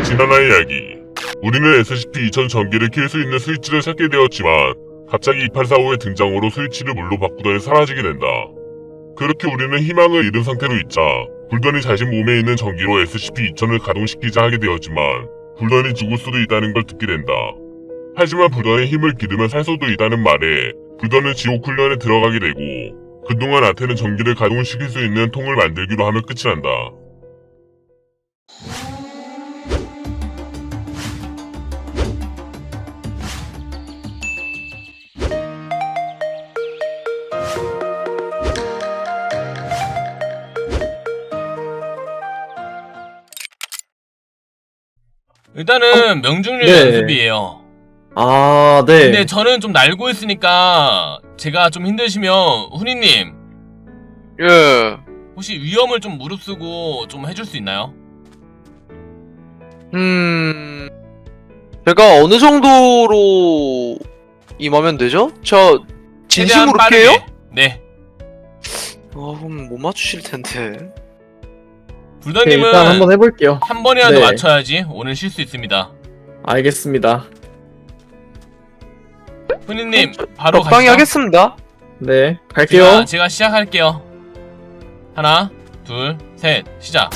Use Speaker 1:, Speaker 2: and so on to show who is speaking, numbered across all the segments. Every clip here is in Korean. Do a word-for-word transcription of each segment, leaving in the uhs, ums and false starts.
Speaker 1: 지난화 이야기. 우리는 에스시피 이천 전기를 킬 수 있는 스위치를 찾게 되었지만 갑자기 이팔사오의 등장으로 스위치를 물로 바꾸더니 사라지게 된다. 그렇게 우리는 희망을 잃은 상태로 있자 불던이 자신 몸에 있는 전기로 에스시피 이천을 가동시키자 하게 되었지만 불던이 죽을 수도 있다는 걸 듣게 된다. 하지만 불던의 힘을 기르면 살 수도 있다는 말에 불던은 지옥 훈련에 들어가게 되고 그동안 아테는 전기를 가동시킬 수 있는 통을 만들기로 하며 끝이 난다.
Speaker 2: 일단은 명중률
Speaker 3: 네.
Speaker 2: 연습이에요.
Speaker 3: 아, 네.
Speaker 2: 근데 저는 좀 날고 있으니까 제가 좀 힘드시면 훈이님
Speaker 4: 예.
Speaker 2: 혹시 위험을 좀 무릅쓰고 좀 해줄 수 있나요?
Speaker 4: 음. 제가 어느 정도로 임하면 되죠? 저 진심으로
Speaker 2: 최대한
Speaker 4: 깨요?
Speaker 2: 빠르게. 네.
Speaker 4: 아, 그럼 못 맞추실 텐데.
Speaker 3: 오케이,
Speaker 2: 불더님은
Speaker 3: 일단 한번 해볼게요.
Speaker 2: 한 번이라도
Speaker 3: 네.
Speaker 2: 맞춰야지 오늘 쉴 수 있습니다.
Speaker 3: 알겠습니다.
Speaker 2: 훈이님 바로
Speaker 4: 적당히
Speaker 2: 가시죠.
Speaker 4: 하겠습니다.
Speaker 3: 네, 갈게요.
Speaker 2: 제가, 제가 시작할게요. 하나, 둘, 셋, 시작.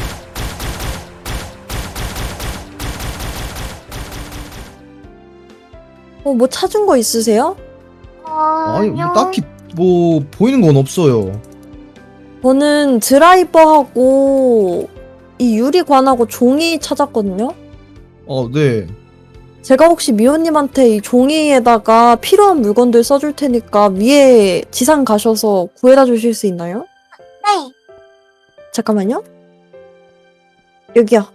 Speaker 5: 어, 뭐 찾은 거 있으세요?
Speaker 6: 아니 뭐 딱히 뭐 보이는 건 없어요.
Speaker 5: 저는 드라이버하고 이 유리관하고 종이 찾았거든요?
Speaker 6: 어, 네.
Speaker 5: 제가 혹시 미호님한테 이 종이에다가 필요한 물건들 써줄 테니까 위에 지상 가셔서 구해다 주실 수 있나요?
Speaker 7: 네.
Speaker 5: 잠깐만요. 여기요.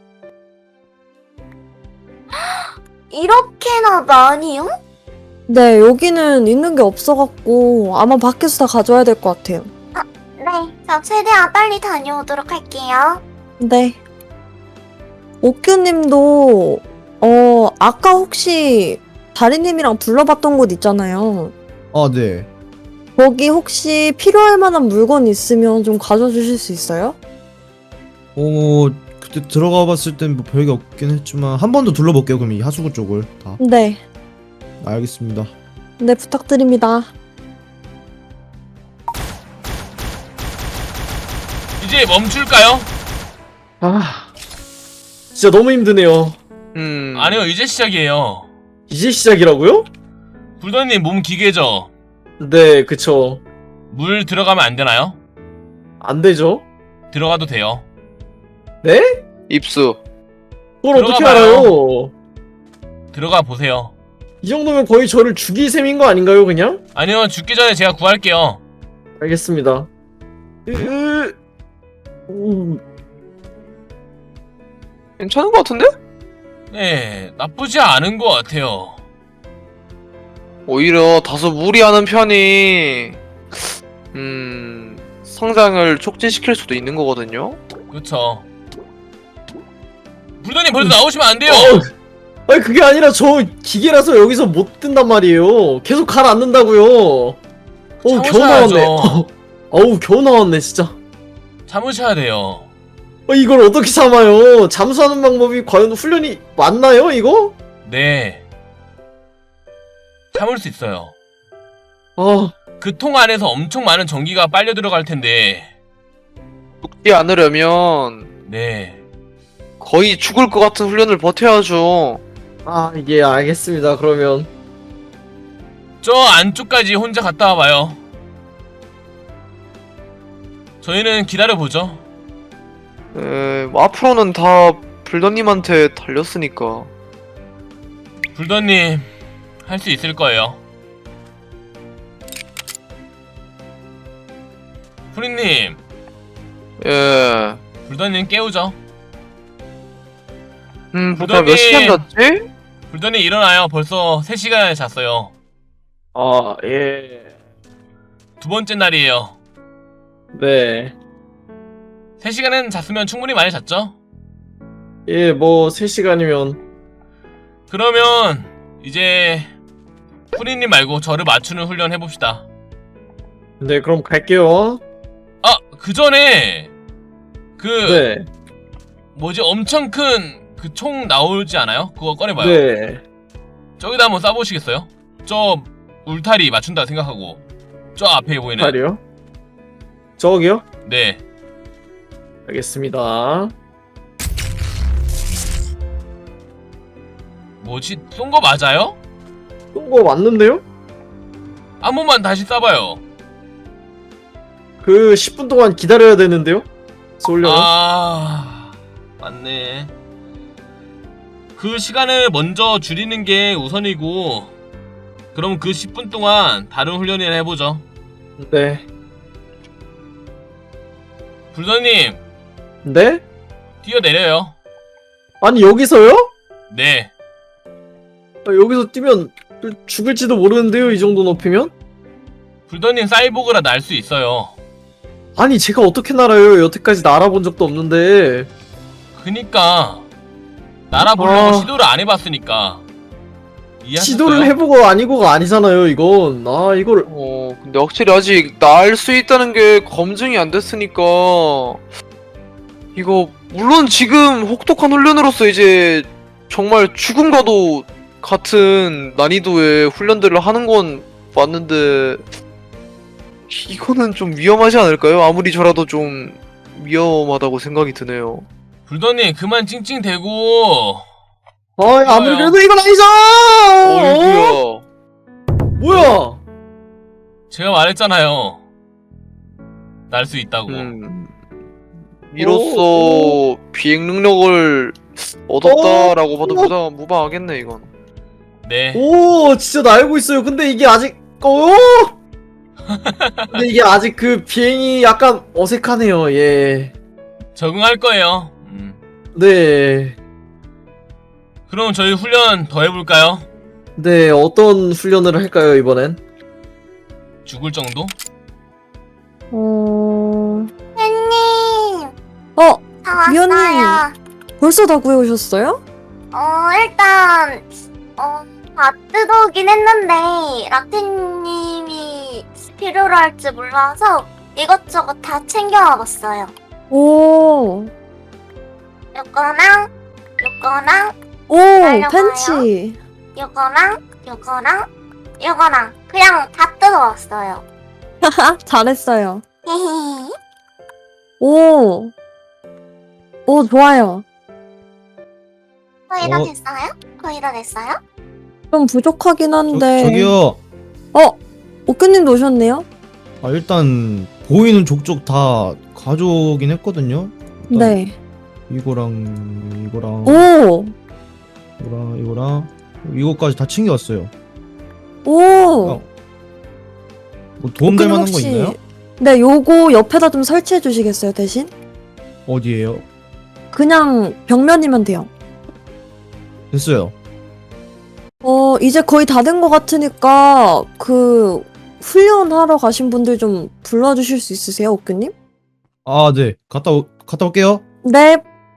Speaker 7: 이렇게나 많이요?
Speaker 5: 네, 여기는 있는 게 없어갖고 아마 밖에서 다 가져와야 될 것 같아요.
Speaker 7: 네. 저 최대한 빨리 다녀오도록 할게요.
Speaker 5: 네. 오큐님도 어 아까 혹시 다리님이랑 둘러봤던 곳 있잖아요.
Speaker 6: 아, 네.
Speaker 5: 거기 혹시 필요할 만한 물건 있으면 좀 가져와 주실 수 있어요?
Speaker 6: 어, 그때 들어가 봤을 땐 뭐 별게 없긴 했지만 한 번 더 둘러볼게요. 그럼 이 하수구 쪽을 다.
Speaker 5: 네.
Speaker 6: 알겠습니다.
Speaker 5: 네, 부탁드립니다.
Speaker 2: 이제 멈출까요?
Speaker 3: 아, 진짜 너무 힘드네요.
Speaker 4: 음.
Speaker 2: 아니요, 이제 시작이에요.
Speaker 3: 이제 시작이라고요?
Speaker 2: 불더님 몸 기계죠?
Speaker 3: 네, 그쵸.
Speaker 2: 물 들어가면 안 되나요?
Speaker 3: 안 되죠?
Speaker 2: 들어가도 돼요.
Speaker 3: 네?
Speaker 4: 입수.
Speaker 3: 그걸 어떻게
Speaker 2: 들어가 봐요.
Speaker 3: 알아요?
Speaker 2: 들어가 보세요.
Speaker 3: 이 정도면 거의 저를 죽일 셈인 거 아닌가요, 그냥?
Speaker 2: 아니요, 죽기 전에 제가 구할게요.
Speaker 3: 알겠습니다. 으, 음,
Speaker 4: 괜찮은 것 같은데?
Speaker 2: 네, 나쁘지 않은 것 같아요.
Speaker 4: 오히려 다소 무리하는 편이 음. 성장을 촉진시킬 수도 있는 거거든요.
Speaker 2: 그쵸. 불더님 벌써 나오시면 안 돼요.
Speaker 3: 어, 아니 그게 아니라 저 기계라서 여기서 못 뜬단 말이에요. 계속 가라앉는다고요. 어우 겨우 나왔네.
Speaker 2: 참으셔야죠.
Speaker 3: 어우 겨우 나왔네 진짜.
Speaker 2: 참으셔야 돼요.
Speaker 3: 어, 이걸 어떻게 참아요? 잠수하는 방법이 과연 훈련이 맞나요 이거?
Speaker 2: 네. 참을 수 있어요.
Speaker 3: 아,
Speaker 2: 그 통 안에서 엄청 많은 전기가 빨려 들어갈 텐데.
Speaker 4: 죽지 않으려면
Speaker 2: 네.
Speaker 4: 거의 죽을 것 같은 훈련을 버텨야죠.
Speaker 3: 아 이게 알겠습니다. 그러면
Speaker 2: 저 안쪽까지 혼자 갔다 와봐요. 저희는 기다려보죠.
Speaker 4: 에, 뭐 앞으로는 다 불더님한테 달렸으니까.
Speaker 2: 불더님 할 수 있을 거예요. 프리님,
Speaker 4: 예.
Speaker 2: 불더님 깨우죠.
Speaker 4: 음, 보다 몇
Speaker 2: 불더님.
Speaker 4: 시간 잤지?
Speaker 2: 불더님 일어나요. 벌써 세 시간을 잤어요.
Speaker 3: 아 예.
Speaker 2: 두 번째 날이에요.
Speaker 3: 네.
Speaker 2: 세 시간은 잤으면 충분히 많이 잤죠?
Speaker 3: 예, 뭐 세 시간이면
Speaker 2: 그러면 이제 프리님 말고 저를 맞추는 훈련 해봅시다.
Speaker 3: 네, 그럼 갈게요.
Speaker 2: 아, 그 전에 그
Speaker 3: 네.
Speaker 2: 뭐지 엄청 큰 그 총 나오지 않아요? 그거 꺼내봐요.
Speaker 3: 네.
Speaker 2: 저기다 한번 쏴보시겠어요? 저 울타리 맞춘다 생각하고 저 앞에 보이는.
Speaker 3: 팔이요? 저기요?
Speaker 2: 네.
Speaker 3: 알겠습니다.
Speaker 2: 뭐지? 쏜 거 맞아요?
Speaker 3: 쏜거 맞는데요?
Speaker 2: 한 번만 다시 쏴봐요.
Speaker 3: 그 십 분 동안 기다려야 되는데요? 쏠려면?
Speaker 2: 아, 맞네. 그 시간을 먼저 줄이는 게 우선이고, 그럼 그 십 분 동안 다른 훈련을 해보죠.
Speaker 3: 네.
Speaker 2: 불더님,
Speaker 3: 네?
Speaker 2: 뛰어내려요.
Speaker 3: 아니 여기서요?
Speaker 2: 네.
Speaker 3: 아, 여기서 뛰면 죽을지도 모르는데요, 이 정도 높이면?
Speaker 2: 불더님 사이보그라 날 수 있어요.
Speaker 3: 아니 제가 어떻게 날아요? 여태까지 날아본 적도 없는데.
Speaker 2: 그니까 날아보려고
Speaker 3: 아.
Speaker 2: 시도를 안 해봤으니까. 이해하셨어요?
Speaker 3: 시도를 해보고 아니고가 아니잖아요, 이건. 아, 이걸.
Speaker 4: 어, 근데 확실히 아직 날 수 있다는 게 검증이 안 됐으니까 이거 물론 지금 혹독한 훈련으로서 이제 정말 죽음과도 같은 난이도의 훈련들을 하는 건 맞는데 이거는 좀 위험하지 않을까요? 아무리 저라도 좀 위험하다고 생각이 드네요.
Speaker 2: 불더님 그만 찡찡대고.
Speaker 3: 아, 아무리
Speaker 2: 좋아요.
Speaker 3: 그래도 이건 아니죠!
Speaker 4: 어이구야.
Speaker 3: 뭐야?
Speaker 2: 제가 말했잖아요. 날 수 있다고.
Speaker 4: 음. 이로써 비행 능력을 얻었다라고
Speaker 3: 어?
Speaker 4: 봐도 무방, 무방하겠네 이건.
Speaker 2: 네.
Speaker 3: 오, 진짜 날고 있어요. 근데 이게 아직, 어? 근데 이게 아직 그 비행이 약간 어색하네요, 예.
Speaker 2: 적응할 거예요. 음.
Speaker 3: 네.
Speaker 2: 그럼 저희 훈련 더 해볼까요?
Speaker 3: 네, 어떤 훈련을 할까요, 이번엔?
Speaker 2: 죽을 정도?
Speaker 5: 어...
Speaker 7: 팬님,
Speaker 5: 어,
Speaker 7: 다
Speaker 5: 미연님.
Speaker 7: 왔어요.
Speaker 5: 벌써 다 구해오셨어요?
Speaker 7: 어, 일단, 어, 다 뜯어오긴 했는데, 라틴님이 필요로 할지 몰라서 이것저것 다 챙겨와봤어요.
Speaker 5: 오,
Speaker 7: 요거랑, 요거랑,
Speaker 5: 오,
Speaker 7: 날려봐요.
Speaker 5: 팬츠.
Speaker 7: 요거랑, 요거랑, 요거랑. 그냥 다 뜯어왔어요.
Speaker 5: 하하, 잘했어요.
Speaker 7: 히히.
Speaker 5: 오, 오, 좋아요.
Speaker 7: 거의 다
Speaker 6: 어.
Speaker 7: 됐어요? 거의 다 됐어요?
Speaker 5: 좀 부족하긴
Speaker 6: 저,
Speaker 5: 한데.
Speaker 6: 저기요.
Speaker 5: 어, 오크님도 오셨네요?
Speaker 6: 아, 일단 보이는 족족 다 가져오긴 했거든요. 일단
Speaker 5: 네.
Speaker 6: 이거랑 이거랑
Speaker 5: 오,
Speaker 6: 이거랑 이거랑 이거까지 다 챙겨왔어요.
Speaker 5: 오.
Speaker 6: 어, 뭐 도움될
Speaker 5: 오크님
Speaker 6: 만한 거
Speaker 5: 혹시-
Speaker 6: 있나요?
Speaker 5: 네, 요거 옆에다 좀 설치해 주시겠어요, 대신?
Speaker 6: 어디에요?
Speaker 5: 그냥 벽면이면 돼요.
Speaker 6: 됐어요.
Speaker 5: 어, 이제 거의 다 된 것 같으니까, 그, 훈련하러 가신 분들 좀 불러주실 수 있으세요, 오크님?
Speaker 6: 아, 네. 갔다 오, 갔다 올게요.
Speaker 5: 네.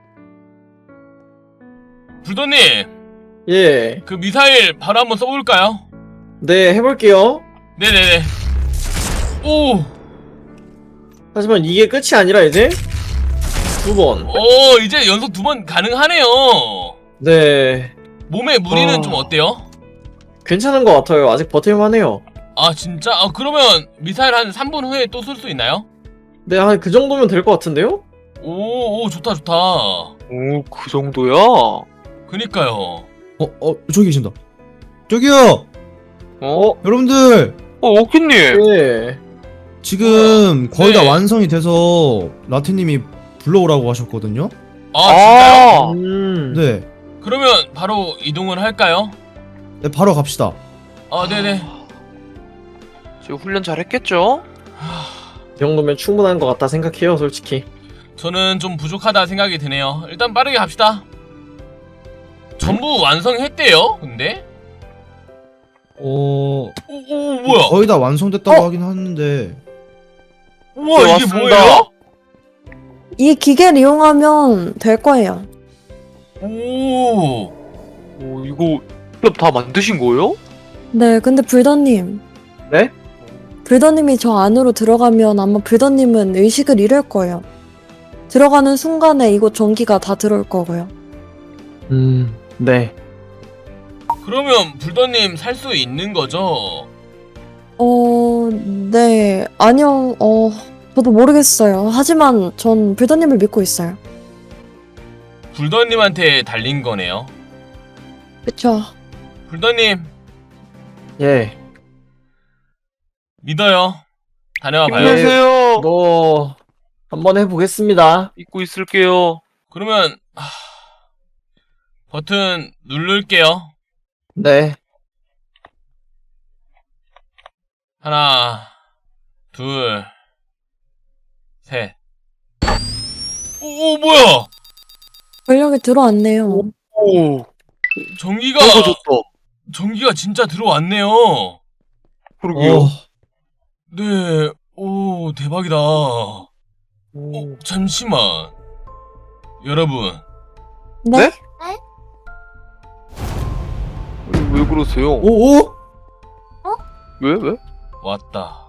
Speaker 2: 불더님,
Speaker 3: 예.
Speaker 2: 그 미사일 바로 한번 써볼까요?
Speaker 3: 네, 해볼게요.
Speaker 2: 네네네. 오,
Speaker 3: 하지만 이게 끝이 아니라 이제 두 번.
Speaker 2: 오, 이제 연속 두 번 가능하네요.
Speaker 3: 네.
Speaker 2: 몸에 무리는
Speaker 3: 어.
Speaker 2: 좀 어때요?
Speaker 3: 괜찮은 것 같아요. 아직 버틸만해요.
Speaker 2: 아 진짜? 아 그러면 미사일 한 삼 분 후에 또 쏠 수 있나요?
Speaker 3: 네, 한 그 정도면 될 것 같은데요?
Speaker 2: 오, 오 좋다 좋다.
Speaker 4: 오, 그 정도야?
Speaker 2: 그니까요.
Speaker 6: 어, 어, 저기 계신다. 저기요.
Speaker 4: 어?
Speaker 6: 여러분들
Speaker 4: 어, 오키님.
Speaker 3: 네.
Speaker 6: 지금 거의 다
Speaker 2: 네.
Speaker 6: 완성이 돼서 라테님이 불러오라고 하셨거든요.
Speaker 2: 아 진짜요?
Speaker 4: 아,
Speaker 3: 음.
Speaker 6: 네.
Speaker 2: 그러면 바로 이동을 할까요?
Speaker 6: 네, 바로 갑시다.
Speaker 2: 아 네네.
Speaker 4: 지금 훈련 잘 했겠죠?
Speaker 3: 이 정도면 충분한 것 같다 생각해요, 솔직히.
Speaker 2: 저는 좀 부족하다 생각이 드네요. 일단 빠르게 갑시다. 전부 완성했대요. 근데?
Speaker 6: 어,
Speaker 2: 오, 오 뭐야?
Speaker 6: 거의 다 완성됐다고
Speaker 5: 어?
Speaker 6: 하긴 하는데
Speaker 2: 우와
Speaker 4: 네,
Speaker 2: 이게
Speaker 4: 왔습니다.
Speaker 2: 뭐예요?
Speaker 5: 이 기계를 이용하면 될 거예요.
Speaker 2: 오.
Speaker 4: 오, 이거 직접 다 만드신 거예요?
Speaker 5: 네, 근데 불더님.
Speaker 3: 네?
Speaker 5: 불더님이 저 안으로 들어가면 아마 불더님은 의식을 잃을 거예요. 들어가는 순간에 이곳 전기가 다 들어올 거고요.
Speaker 3: 음, 네.
Speaker 2: 그러면 불더님 살 수 있는 거죠?
Speaker 5: 어, 네. 아니요, 어, 저도 모르겠어요. 하지만 전 불더님을 믿고 있어요.
Speaker 2: 불더님한테 달린 거네요.
Speaker 5: 그쵸.
Speaker 2: 불더님
Speaker 3: 예.
Speaker 2: 믿어요. 다녀와 봐요.
Speaker 4: 힘내세요.
Speaker 3: 뭐 한번 해보겠습니다.
Speaker 4: 믿고 있을게요.
Speaker 2: 그러면 하... 버튼 누를게요.
Speaker 3: 네.
Speaker 2: 하나, 둘, 셋. 오, 오 뭐야?
Speaker 5: 권력이 들어왔네요.
Speaker 4: 오,
Speaker 2: 전기가
Speaker 4: 떨어졌다.
Speaker 2: 전기가 진짜 들어왔네요.
Speaker 4: 그러게요.
Speaker 6: 어,
Speaker 2: 네, 오 대박이다. 어,
Speaker 4: 오.
Speaker 2: 잠시만. 여러분,
Speaker 5: 네?
Speaker 4: 네? 왜 그러세요?
Speaker 3: 오, 오?
Speaker 4: 왜 왜?
Speaker 2: 왔다.